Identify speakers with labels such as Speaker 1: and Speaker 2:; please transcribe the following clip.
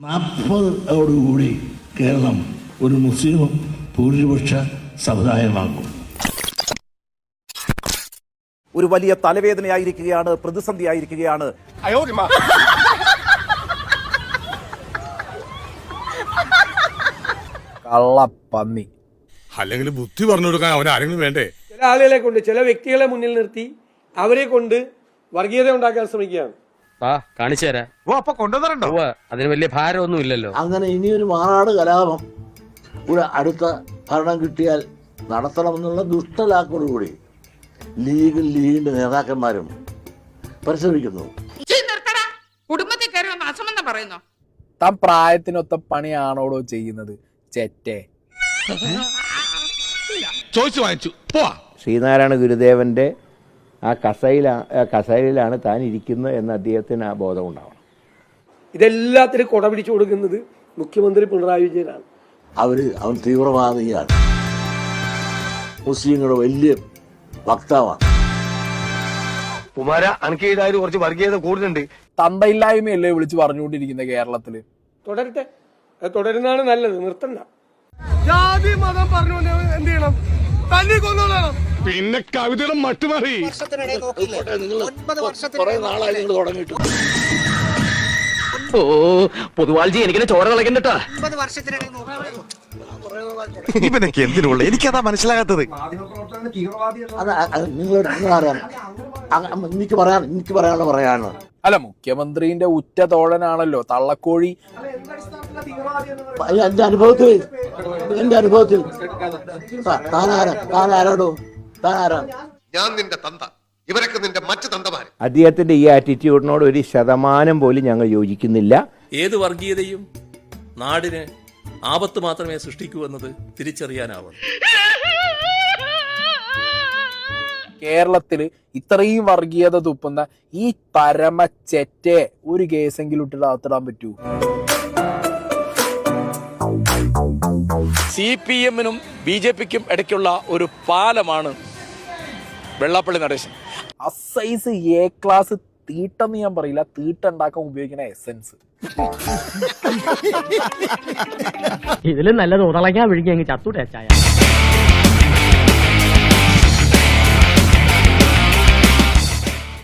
Speaker 1: 40ഓടുകൂടി കേരളം ഒരു മുസ്ലിം ഭൂരിപക്ഷ സമുദായമാകും.
Speaker 2: ഒരു വലിയ തലവേദനയായിരിക്കുകയാണ്, പ്രതിസന്ധിയായിരിക്കുകയാണ്.
Speaker 3: കള്ളപ്പന്നി.
Speaker 4: അല്ലെങ്കിൽ ബുദ്ധി പറഞ്ഞു കൊടുക്കാൻ അവൻ ആരെങ്കിലും വേണ്ടേ?
Speaker 5: ചില ആളുകളെ കൊണ്ട്, ചില വ്യക്തികളെ മുന്നിൽ നിർത്തി അവരെ കൊണ്ട് വർഗീയത ഉണ്ടാക്കാൻ ശ്രമിക്കുകയാണ്.
Speaker 6: കാണിച്ചു തരാം. അതിന് വലിയ ഭാരമൊന്നും ഇല്ലല്ലോ.
Speaker 1: അങ്ങനെ ഇനിയൊരു മാറാട് കലാപം ഒരു അടുത്ത ഭരണം കിട്ടിയാൽ നടത്തണമെന്നുള്ള ദുഷ്ടലാക്കോടുകൂടി ലീഗിന്റെ നേതാക്കന്മാരും പരിശ്രമിക്കുന്നു.
Speaker 7: കുടുംബത്തിൽ കയറി വന്ന് അസമെന്ന് പറയുന്നു.
Speaker 3: താൻ പ്രായത്തിനൊത്ത പണിയാണോടോ ചെയ്യുന്നത്? ചെറ്റേ.
Speaker 4: ചോദിച്ചു വാങ്ങിച്ചു പോവാ.
Speaker 8: ശ്രീനാരായണ ഗുരുദേവന്റെ ആ കസേരയിലാണ് താൻ ഇരിക്കുന്നത് എന്ന് അദ്ദേഹത്തിന് ആ ബോധം ഉണ്ടാവണം.
Speaker 5: ഇതെല്ലാത്തിനും കൊട പിടിച്ചു കൊടുക്കുന്നത് മുഖ്യമന്ത്രി പിണറായി വിജയനാണ്.
Speaker 1: അവൻ തീവ്രവാദിയാണ്, മുസ്ലിങ്ങളുടെ വലിയ വക്താവാണ്.
Speaker 9: കുമാര അനക്ക് ഇതായത് കുറച്ച് വർഗീയത കൂടുതലുണ്ട്.
Speaker 3: തന്തയില്ലായ്മയല്ലേ വിളിച്ച് പറഞ്ഞുകൊണ്ടിരിക്കുന്ന കേരളത്തില്?
Speaker 5: തുടരട്ടെ, അത് തുടരുന്നതാണ് നല്ലത്, നിർത്തണ്ട. ജാതി മതം പറഞ്ഞു എന്ത് ചെയ്യണം? തല്ലി കൊന്നോളണം.
Speaker 4: പിന്നെ കവിതയുടെ മട്ടുമാറി.
Speaker 6: പൊതുവാൾജി എനിക്കിനെ ചോര കളക്കണ്ടട്ടാ.
Speaker 9: ഇവനൊക്കെ എന്തിനുള്ള എനിക്കതാ മനസ്സിലാകാത്തത്.
Speaker 1: എനിക്ക് പറയാനുള്ള പറയാനോ.
Speaker 3: അല്ല, മുഖ്യമന്ത്രിന്റെ ഉറ്റ തോഴനാണല്ലോ തള്ളക്കോഴി.
Speaker 1: എന്റെ അനുഭവത്തിൽ താനാരാടോ? താനാരാ?
Speaker 9: ഞാൻ നിന്റെ തന്ത, ഇവരൊക്കെ നിന്റെ മറ്റു തന്തമാര്.
Speaker 8: അദ്ദേഹത്തിന്റെ ഈ ആറ്റിറ്റ്യൂഡിനോട് 1% പോലും ഞങ്ങൾ യോജിക്കുന്നില്ല.
Speaker 10: ഏത് വർഗീയതയും നാടിന് ആപത്ത് മാത്രമേ സൃഷ്ടിക്കൂ എന്നത് തിരിച്ചറിയാനാവണം.
Speaker 3: കേരളത്തില് ഇത്രയും വർഗീയത തുപ്പുന്ന ഈ പരമച്ചെറ്റെ ഒരു കേസെങ്കിലും ഇട്ടിട്ട് അകത്തിടാൻ പറ്റൂ?
Speaker 11: CPM-നും BJP-ക്കും ഇടയ്ക്കുള്ള ഒരു പാലമാണ് വെള്ളാപ്പള്ളി നടേശൻ.
Speaker 3: അസൈസ് A ക്ലാസ് തീട്ടെന്ന് ഞാൻ പറയില്ല, തീട്ടുണ്ടാക്കാൻ ഉപയോഗിക്കുന്ന എസൻസ്.
Speaker 6: ഇതിലും നല്ലത് ഉടളയ്ക്കാൻ വിഴുങ്ങി അങ്ങ് ചത്തൂടെ ചായ.